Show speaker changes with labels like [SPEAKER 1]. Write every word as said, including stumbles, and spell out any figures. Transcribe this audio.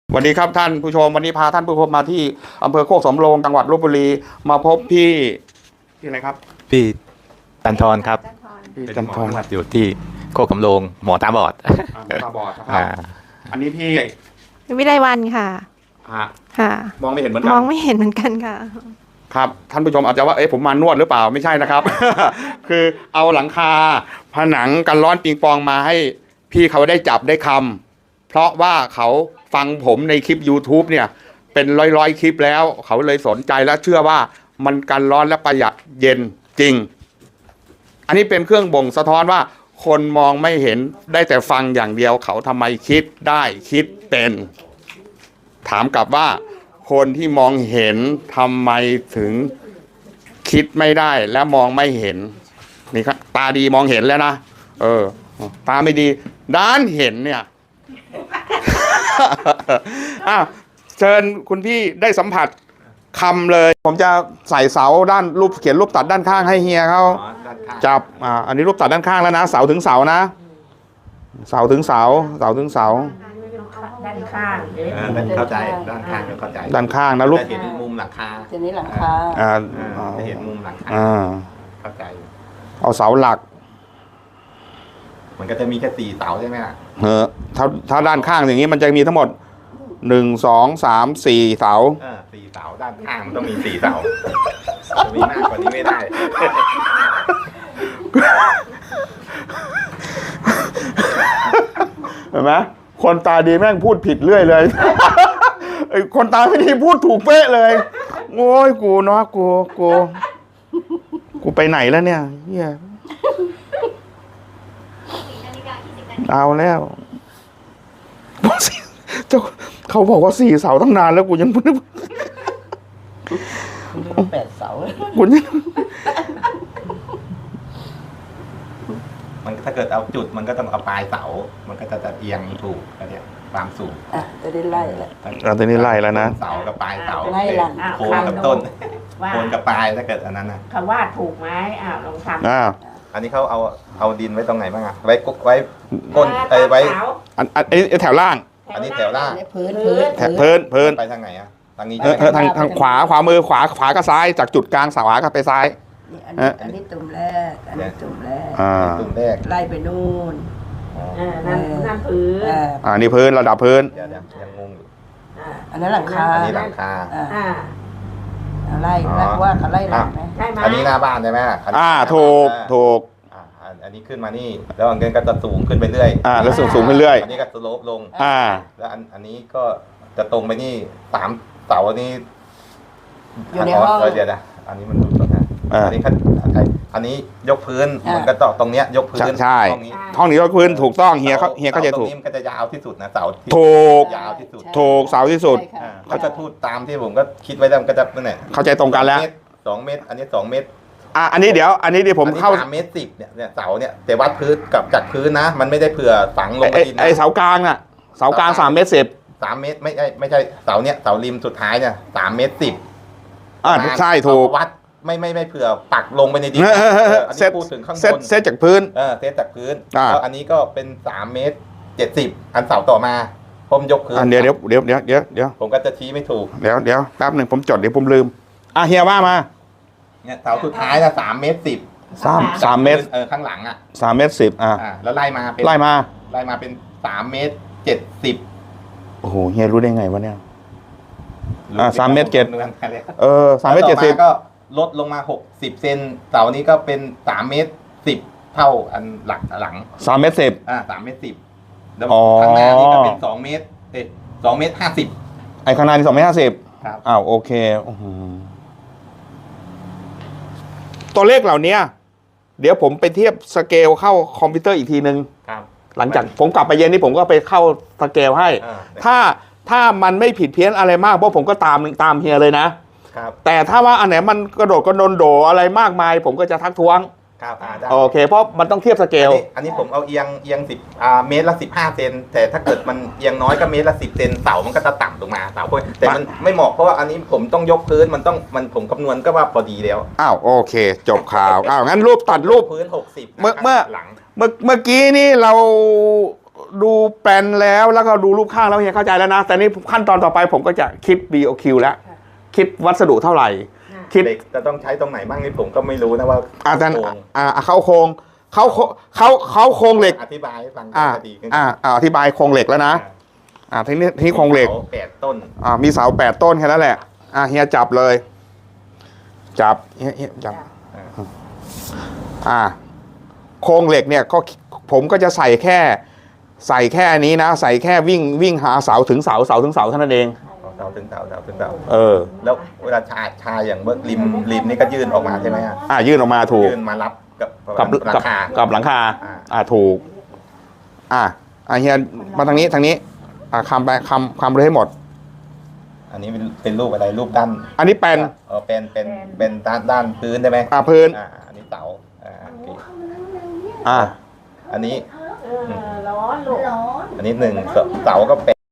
[SPEAKER 1] สวัสดีครับท่านผู้ชมวันนี้พาท่านผู้ชมมาที่อำเภอโคกสำโรงจังหวัดลพบุรีมาพบพี่พี่อะไรครับ
[SPEAKER 2] พี่จันทรครับ
[SPEAKER 1] พี่จันทร
[SPEAKER 2] อยู่ที่โคกสำโรงหมอตาบอด
[SPEAKER 1] ตาบอดนะครับอันนี้พี่
[SPEAKER 3] วิไลวันค่ะค่ะ
[SPEAKER 1] มองไม่เห็นเหมือนกัน
[SPEAKER 3] มองไม่เห็นเหมือนกันค่ะ
[SPEAKER 1] ครับท่านผู้ชมอาจจะว่าเอ๊ะผมมานวดหรือเปล่าไม่ใช่นะครับ คือเอาหลังคาผนังกันร้อนปิงปองมาให้พี่เขาได้จับได้คำเพราะว่าเขาฟังผมในคลิป YouTube เนี่ยเป็นร้อยๆคลิปแล้วเขาเลยสนใจและเชื่อว่ามันกันร้อนและประหยัดเย็นจริงอันนี้เป็นเครื่องบ่งสะท้อนว่าคนมองไม่เห็นได้แต่ฟังอย่างเดียวเขาทำไมคิดได้คิดเป็นถามกลับว่าคนที่มองเห็นทำไมถึงคิดไม่ได้และมองไม่เห็นนี่ครับตาดีมองเห็นแล้วนะเออตาไม่ดีด้านเห็นเนี่ย อ้าวเชิญคุณพี่ได้สัมผัสคำเลยผมจะใส่เสาด้านรูปเขียนรูปตัดด้านข้างให้เฮียเขาจับอ่าอันนี้รูปตัดด้านข้างแล้วนะเสาถึงเสานะเสาถึงเสาเสาถึงเสา
[SPEAKER 4] ด้านข้าง
[SPEAKER 2] เข้าใจด้านข้างเข้าใจ
[SPEAKER 1] ด้านข้างนะรูป
[SPEAKER 2] จะเห็นมุมหลังคา
[SPEAKER 4] จะนี้หลังคา
[SPEAKER 1] อ่า
[SPEAKER 2] จะเห็นมุมหลังคาเข้าใจ
[SPEAKER 1] เอาเสาหลัก
[SPEAKER 2] มันก็จะมีแค่สี่เสาใช่ไหมล่ะ
[SPEAKER 1] เออถ้าถ้าด้านข้างอย่างนี้มันจะมีทั้งหมดหนึ่งสองสามสี่เสา
[SPEAKER 2] เออสี่เสาด้านข้างมันต้องมีสี่เสาจะมีมากกว่านี้ไม่ได้
[SPEAKER 1] เห็นไหมคนตาดีแม่งพูดผิดเรื่อยเลยไอ้คนตาไม่ดีพูดถูกเป๊ะเลยโอ้ยกูเนาะกูกูกูไปไหนแล้วเนี่ยเฮียเอาแล้วเจ้าเขาบอกว่าสี่เสาตั้งนานแล้วกูยังพูด
[SPEAKER 4] แปดเสา
[SPEAKER 1] กูยัง
[SPEAKER 2] มันถ้าเกิดเอาจุดมันก็ต้องเอาปลายเสามันก็จะจะเอียงถูกอะไรเนี่ยความสูง
[SPEAKER 4] อ่ะจะได้ไล่แล้ว
[SPEAKER 1] อ่ะตอนนี้ไล่แล้วนะ
[SPEAKER 2] เสากับปลายเสา
[SPEAKER 4] ไล่หลัง
[SPEAKER 2] โคนกับต้นโคนกับปลายถ้าเกิดอันนั้นนะ
[SPEAKER 4] คำว่าถูกไหมอ้าวลองทำ
[SPEAKER 1] อ้าว
[SPEAKER 2] อันนี้เขาเอาเอาดินไว้ตรงไหนบ้างอะไว้กุ๊กไว้ก้นไอ้ไว้
[SPEAKER 1] อันอันนี้แถวล่าง
[SPEAKER 2] อันนี้แถวล่าง
[SPEAKER 4] พื้นพื้น
[SPEAKER 1] แถวพื้นพื้น
[SPEAKER 2] ไปทางไหนอะทางนี้
[SPEAKER 1] เออทางทางขวาขวามือขวาขวากับซ้ายจากจุดกลางขวากับไปซ้าย
[SPEAKER 4] อันนี้อันนี้ตุ่มแรกอันนี้ตุ่มแรก
[SPEAKER 1] อ่า
[SPEAKER 2] ตุ่มแรก
[SPEAKER 4] ไล่ไปนู่นอ่านั่นนั่นพื้น
[SPEAKER 1] อ่านี่พื้นระดับพื้น
[SPEAKER 2] เดี๋ยวยังงงอยู่
[SPEAKER 4] อันนั้นหลังคา
[SPEAKER 2] อันนี้หลังคา
[SPEAKER 4] อ่าไล่ไล่ว่าเขาไล่หลังไหม
[SPEAKER 2] ใช่ไหมอันนี้หน้าบ้านใช่ไหม
[SPEAKER 1] อ่าถูกถูก
[SPEAKER 2] อันนี้ขึ้นมานี่แล้วอันนี้ก็จะสูงขึ้นไปเรื่อย
[SPEAKER 1] อ่าแล้วสูงสูงขึ้นเรื่อย
[SPEAKER 2] อันนี้ก็สโลปลง
[SPEAKER 1] อ่า
[SPEAKER 2] แล้วอันอันนี้ก็จะตรงไปนี่สามเสาอันนี้
[SPEAKER 4] อยู่ในห้อง
[SPEAKER 2] เดี๋ยวนะอันนี้มันดูตรงนั้นอันนี้อันนี้ยกพื้นมันก็ต่อตรงเนี้ยยกพื้น
[SPEAKER 1] ใช่ห้องนี้ยกพื้นถูกต้องเฮียเขาเฮียก็จะถูก
[SPEAKER 2] ตรงนี้มันก็จะยาวที่สุดนะเสา
[SPEAKER 1] ถูก
[SPEAKER 2] ยาวที่สุด
[SPEAKER 1] ถูกเสาที่สุด
[SPEAKER 2] เขาจะพูดตามที่ผมก็คิดไว้แล้วมันก็จะนั่นแหละ
[SPEAKER 1] เข้าใจตรงกันแล้ว
[SPEAKER 2] สองเมตรอันนี้สองเมตร
[SPEAKER 1] อ่ะอันนี้เดี๋ยวอันนี้เดี๋ยวผมเข้า
[SPEAKER 2] สามเมตรสิบเนี่ยเนี่ยเสาเนี่ยแต่วัดพื้นกับจัดพื้นนะมันไม่ได้เผื่อฝังลงไปดิน
[SPEAKER 1] ไอเสากลางน่ะเสากลางสามเมตรสิบ
[SPEAKER 2] สามเมตรไม่ใช่ไม่ใช่เสาเนี่ยเสาริมสุดท้ายเนี่ยสามเมตรสิบ
[SPEAKER 1] อ่าใช่ถูก
[SPEAKER 2] วัดไม่ไม่ไม่เผื่อปักลงไปในดินอันนี้พูดถึงข้างบน
[SPEAKER 1] เซตจากพื้น
[SPEAKER 2] เออเซตจากพื้นแล้วอันนี้ก็เป็นสามเมตรเจ็ดสิบอันเสาต่อมาผมยกพื้น
[SPEAKER 1] เดี๋ยวเดี๋ยวเดี๋ยวเดี๋ยวเดี๋ยวเดี๋ยว
[SPEAKER 2] ผมก็จะชี้ไม่ถูก
[SPEAKER 1] เดี๋ยวเดี๋ยวแป๊บหนึ่งผมจดเดี๋ยวผมลืมอ่ะเฮียว่ามา
[SPEAKER 2] เนี่ยเสาสุดท้ายนะสามเมตรสิบ
[SPEAKER 1] สามสามเมตร
[SPEAKER 2] เออข้างหลังอ่ะ
[SPEAKER 1] สามเมตรสิบอ่ะ
[SPEAKER 2] แล้วไล่มา
[SPEAKER 1] ไล่มา
[SPEAKER 2] ไล่มาเป็นสามเมตรเจ็ดสิบ
[SPEAKER 1] โอ้โหเฮียรู้ได้ไงวะเนี่ยอ่าสามเมตรเจ็ดเออสามเมตรเจ็ดสิบ
[SPEAKER 2] ก็ลดลงมาหกสิบเซนเสานี้ก็เป็นสามเมตรสิบเท่าอันหลักหลัง
[SPEAKER 1] สามเมตรสิบ
[SPEAKER 2] อ่าสามเมตรสิบแล้วข้างหน้านี้ก็เป็นสองเมตรเอ๊ะสองเมตรห้าสิบ
[SPEAKER 1] ไอ้ข้างหน้านี่สองเมตรห้าสิบ
[SPEAKER 2] ครับ
[SPEAKER 1] อ้าวโอเคตัวเลขเหล่านี้เดี๋ยวผมไปเทียบสเกลเข้าคอมพิวเตอร์อีกทีนึงหลังจากผมกลับไปเย็นนี้ผมก็ไปเข้าสเกลให้ถ้าถ้ามันไม่ผิดเพี้ยนอะไรมากเพราะผมก็ตามตามเฮียเลยนะแต่ถ้าว่าอันไหนมันกระโดดกระโดนโดอะไรมากมายผมก็จะทักท้วง
[SPEAKER 2] ครับ
[SPEAKER 1] โอเคเพราะมันต้องเทียบสเกล
[SPEAKER 2] อันนี้ผมเอาเอียงเอียงสิบอ่าเมตรละสิบห้าเซนแต่ถ้าเกิดมันเอียงน้อยก็เมตรละสิบเซนเสามันก็จะต่ำลงมาเสาพวกแต่มันไม่เหมาะเพราะว่าอันนี้ผมต้องยกพื้นมันต้องมันผมคำนวณก็ว่าพอดีแล้ว
[SPEAKER 1] อ้าวโอเคจบข่าวอ้าวงั้นรูปตัดรูป
[SPEAKER 2] พื้นหกสิบ
[SPEAKER 1] เมื่อเมื่อหลังเมื่อเมื่อกี้นี่เราดูแปลนแล้วแล้วก็ดูรูปข้างแล้วเฮียเข้าใจแล้วนะ แต่นี่ขั้นตอนต่อไปผมก็จะคิด บี โอ คิว แล้ว คิดวัสดุเท่าไหร่ คิด
[SPEAKER 2] เหล็กจะต้องใช้ตรงไหนบ้างนี่ผมก็ไม่รู้นะว่า
[SPEAKER 1] อาจารย์
[SPEAKER 2] โครง
[SPEAKER 1] อ่าเข้าโครงเขาเขาเขาโครงเหล็ก
[SPEAKER 2] อธิบายให้ฟัง
[SPEAKER 1] อ่า
[SPEAKER 2] ก็ดีขึ้น
[SPEAKER 1] อ่าอ่าอธิบายโครงเหล็กแล้วนะอ่าทีนี้ทีนี้โครงเหล็ก
[SPEAKER 2] สาแปดต้น
[SPEAKER 1] อ่ามีเสาแปดต้นแค่นั้นแหละอ่าเฮียจับเลย จับเฮียเฮียจับ อ่า โครงเหล็กเนี่ยก็ผมก็จะใส่แค่ ใส่แค่นี้นะ ใส่แค่วิ่งวิ่งหาเสาถึงเสาเสาถึงเสาเท่านั้นเอง
[SPEAKER 2] เสาถึงเสาเสาถึงเสา
[SPEAKER 1] เออ
[SPEAKER 2] แล้วเวลาชาชาอย่างเบิร์ริมริมนี่ก็ยื่นออกมาใช่ไหมฮะ
[SPEAKER 1] อ่ายื่นออกมาถูก
[SPEAKER 2] ยื่นมารับกับ
[SPEAKER 1] กับ
[SPEAKER 2] รา
[SPEAKER 1] กับ
[SPEAKER 2] คา
[SPEAKER 1] กับหลังคา
[SPEAKER 2] อ่า
[SPEAKER 1] อ่าถูก อ่าอ่าเฮียมาทางนี้ทางนี้ อ่าคำไปคำคำเลยให้หมด
[SPEAKER 2] อันนี้เป็นเป็นรูปอะไรรูปด้าน
[SPEAKER 1] อันนี้เป็น
[SPEAKER 2] เออเป็นเป็นเป็นด้านด้านพื้นใช่ไหม
[SPEAKER 1] อ่าพื้น
[SPEAKER 2] อ่าอันนี้เสาอ่าโอเค
[SPEAKER 1] อ่า
[SPEAKER 2] อันนี้
[SPEAKER 4] ร้อนลูกร้อน
[SPEAKER 2] อันนี้หนึ่งเสาเสาก็เป็น